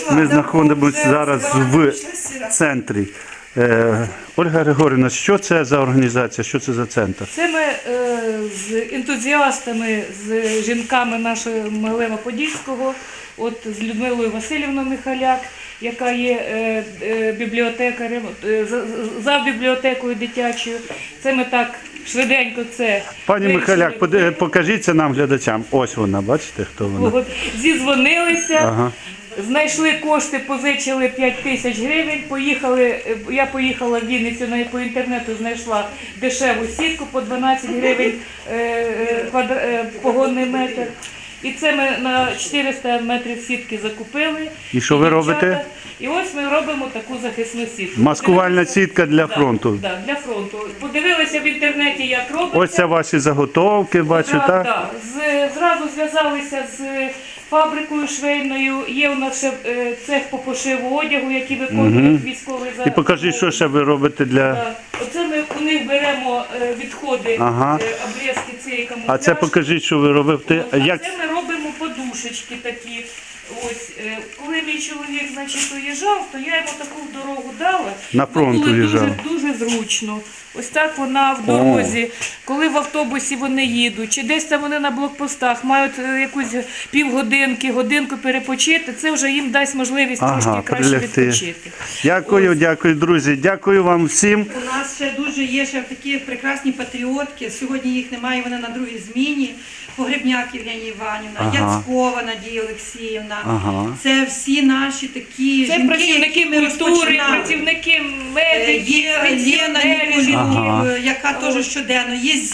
Ми знаходимося зараз в центрі. Ольга Григорівна, що це за організація, що це за центр? Це ми з ентузіастами, з жінками нашого Могилева-Подільського, от з Людмилою Васильівною Михаляк, яка є бібліотекарем, за бібліотекою дитячою. Це ми так швиденько це... Пані Михаляк, покажіться нам, глядачам. Ось вона, бачите, хто вона? Зізвонилися. Ага. Знайшли кошти, позичили 5 тисяч гривень, я поїхала в Вінницю, по інтернету знайшла дешеву сітку по 12 гривень погонний метр. І це ми на 400 метрів сітки закупили. І що ви робите? І ось ми робимо таку захисну сітку. Маскувальна сітка для фронту. Так, для фронту. Подивилися в інтернеті, як робиться. Ось це ваші заготовки, бачу, так? Так. Зразу зв'язалися з фабрикою швейною. Є у нас ще цех по пошиву одягу, який виконує військовий захист. І покажіть, що ще ви робите для... Так. Оце ми у них беремо відходи, обрізки цієї камуфляжки. А це покажіть, що ви робите. Це ми робимо подушечки такі. Ось, коли мій чоловік, значить, уїжджав, то я йому таку дорогу дала. На фронт уїжджав. Дуже зручно. Ось так вона в дорозі, коли в автобусі вони їдуть, чи десь там вони на блокпостах мають якусь півгодинки, годинку перепочити, це вже їм дасть можливість трошки краще відпочити. Дякую, дякую, друзі. Дякую вам всім. У нас ще дуже є ще такі прекрасні патріотки. Сьогодні їх немає, вони на другій зміні. Погребняк Євгенія Іванівна, Яцкова Надія Олексіївна. Це всі наші такі це жінки, працівники культури, працівники медиків, є Лена Ніколюк, яка теж щоденно. Є